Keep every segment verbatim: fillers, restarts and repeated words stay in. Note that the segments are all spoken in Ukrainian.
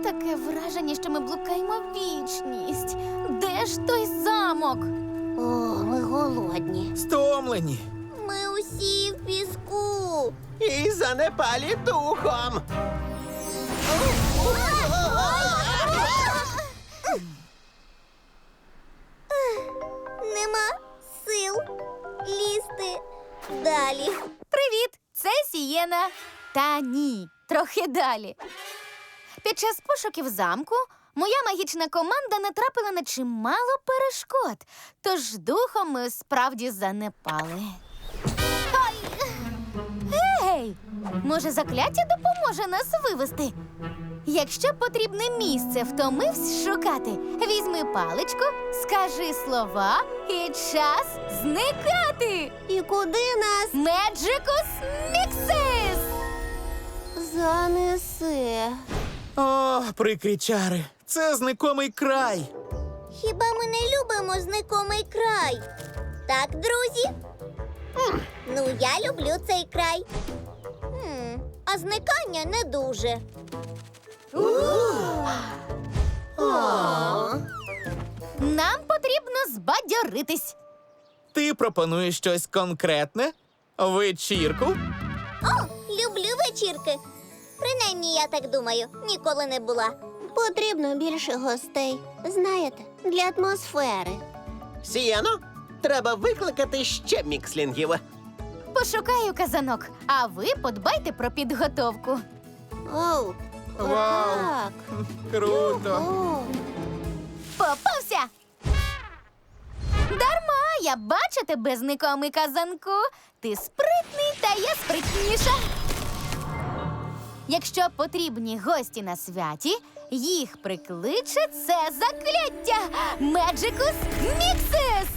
Таке враження, що ми блукаємо вічність. Де ж той замок? О, ми голодні. Стомлені. Ми усі в піску. І занепалі духом. Нема сил лізти далі. Привіт, це Сієна. Та ні, трохи далі. Під час пошуків замку моя магічна команда натрапила на чимало перешкод, тож духом ми справді занепали. Ай! Гей! Може, закляття допоможе нас вивести? Якщо потрібне місце втомивсь шукати, візьми паличку, скажи слова і час зникати! І куди нас Меджикус Міксис! занесе? О, прикрі чари. Це зникомий край. Хіба ми не любимо знайомий край? Так, друзі? М, ну, я люблю цей край. М, а зникання не дуже. Нам потрібно збадьоритись. Ти пропонуєш щось конкретне? Вечірку? О, люблю вечірки. Принаймні, я так думаю, ніколи не була. Потрібно більше гостей, знаєте, для атмосфери. Сієно, треба викликати ще мікслінгів. Пошукаю казанок, а ви подбайте про підготовку. Оу, Вау. так. Круто. О. Попався! Дарма, я бачу тебе, зникомий казанку. Ти спритний, та я спритніша. Якщо потрібні гості на святі, їх прикличе це закляття Меджикус Міксис!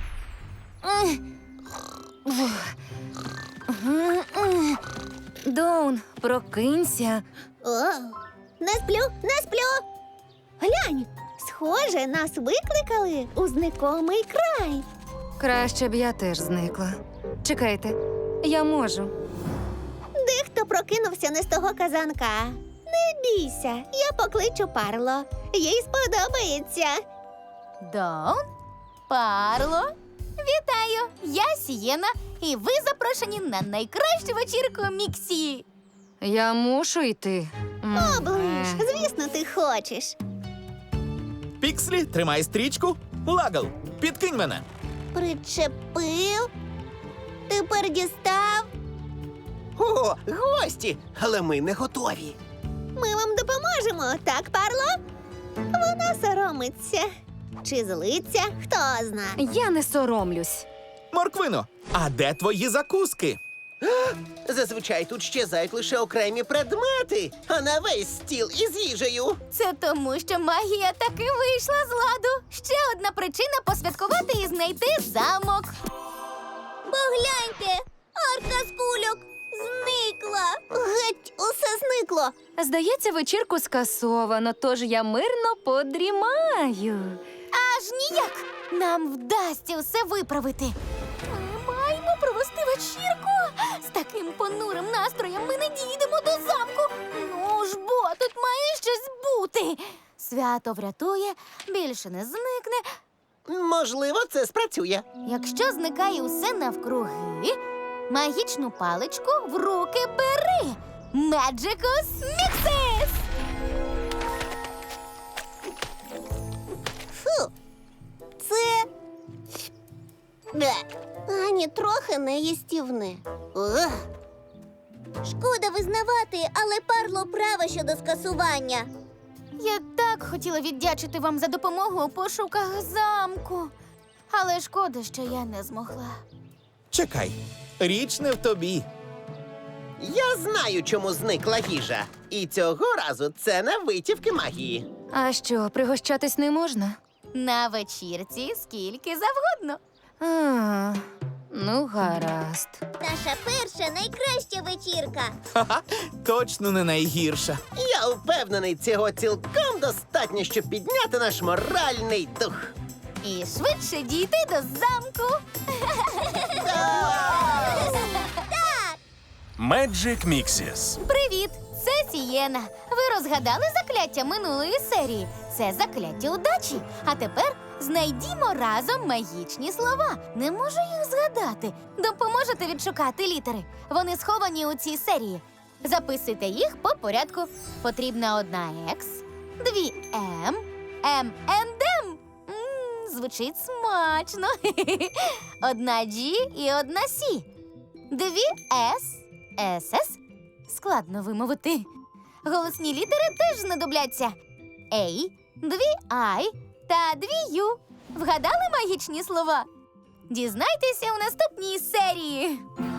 Доун, прокинься. О, не сплю, не сплю. Глянь, схоже, нас викликали у знайомий край. Краще б я теж зникла. Чекайте, я можу. Дехто прокинувся не з того казанка. Не бійся, я покличу Парло. Їй сподобається. Доун, Парло, вітаю! Я Сієна, і ви запрошені на найкращу вечірку Міксі. Я мушу йти. М, Оближ, е. звісно, ти хочеш. Пікслі, тримай стрічку. Лагал, підкинь мене. Причепив? Тепер дістав? О, гості! Але ми не готові. Ми вам допоможемо, так, Парло? Вона соромиться. Чи злиться, хто зна. Я не соромлюсь. Морквино, а де твої закуски? Зазвичай тут щезають лише окремі предмети, а не весь стіл із їжею. Це тому, що магія таки вийшла з ладу. Ще одна причина посвяткувати і знайти замок. Погляньте, арка з кульок зникла. Геть, усе зникло. Здається, вечірку скасовано, тож я мирно подрімаю. Аж ніяк! Нам вдасться все виправити. Ми маємо провести вечірку. З таким понурим настроєм ми не дійдемо до замку. Ну ж бо, тут має щось бути. Свято врятує, більше не зникне. Можливо, це спрацює. Якщо зникає усе навкруги, магічну паличку в руки бери. Меджикус Міксис! Фу, це Бе. ані трохи не їстівне. Ух. Шкода визнавати, але Парло права щодо скасування. Я так хотіла віддячити вам за допомогу у пошуках замку. Але шкода, що я не змогла. Чекай, річ не в тобі. Я знаю, чому зникла їжа. І цього разу це не витівки магії. А що, пригощатись не можна? На вечірці скільки завгодно. А, ну, гаразд. Наша перша найкраща вечірка. Ха-ха, точно не найгірша. Я впевнений, цього цілком достатньо, щоб підняти наш моральний дух. І швидше дійти до замку. Magic Mixes. Привіт! Це Сієна. Ви розгадали закляття минулої серії. Це закляття удачі. А тепер знайдімо разом магічні слова. Не можу їх згадати. Допоможете відшукати літери. Вони сховані у цій серії. Записуйте їх по порядку. Потрібна одна Екс, дві М, М енд М. М, Звучить смачно. Одна Джі і одна Сі. Дві С, С С. Складно вимовити. Голосні літери теж знадобляться. Ей, дві Ай та дві Ю. Вгадали магічні слова? Дізнайтеся у наступній серії.